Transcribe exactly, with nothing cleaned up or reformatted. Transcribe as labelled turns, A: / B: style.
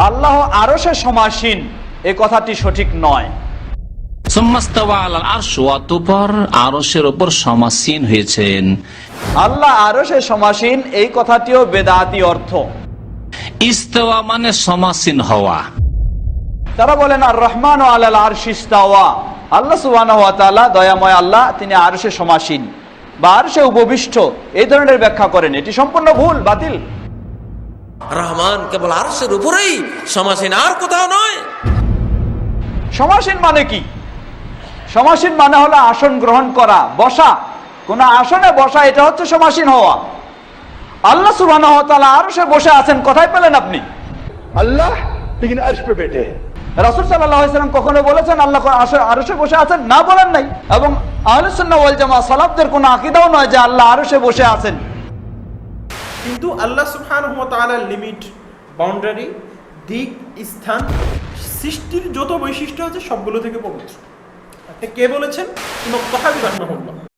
A: আল্লাহ আরশে সমাসীন এই কথাটি সঠিক নয়।
B: অতঃপর আরশের উপর সমাসীন হয়েছেন।
A: আল্লাহ আরশে সমাসীন এই কথাটিও বেদাতি অর্থ।
B: ইস্তাওয়া মানে সমাসীন হওয়া।
A: তারা বলেন আর রহমান ও আলাল আরশ ইস্তাওয়া, আল্লাহ সুবহানাহু ওয়া তাআলা দয়াময় আল্লাহ, তিনি আরশে সমাসীন বা আরশে উপবিষ্ট, এই ধরনের ব্যাখ্যা করেন। এটি সম্পূর্ণ ভুল, বাতিল।
C: রহমান কেবল আরশের উপরেই সমাসীন, আর কোথাও নয়।
A: সমাসীন মানে কি? সমাসীন মানে হলো আসন গ্রহণ করা, বসা, কোন আসনে বসা, এটা হচ্ছে সমাসীন হওয়া। আল্লাহ সুবহানাহু ওয়া তাআলা আরশে বসে আছেন, কোথায় পেলেন আপনি?
D: अल्लाह लेकिन अर्श पे बैठे हैं।
A: রাসূল সাল্লাল্লাহু আলাইহি ওয়াসাল্লাম কখনো বলেছেন আল্লাহ আরশে বসে আছেন? না, বলেন নাই। এবং আহলুস সুন্নাহ ওয়াল জামাআহ সালাফদের কোনো আকীদাও নয় যে আল্লাহ আরশে বসে আছেন।
E: কিন্তু আল্লাহ সুবহানাহু ওয়া তাআলার লিমিট, বাউন্ডারি, দিক, স্থান, সৃষ্টির যত বৈশিষ্ট্য আছে সবগুলো থেকে পবিত্র। কে বলেছেন? ইমাম তাহাবী রাহিমাহুল্লাহ।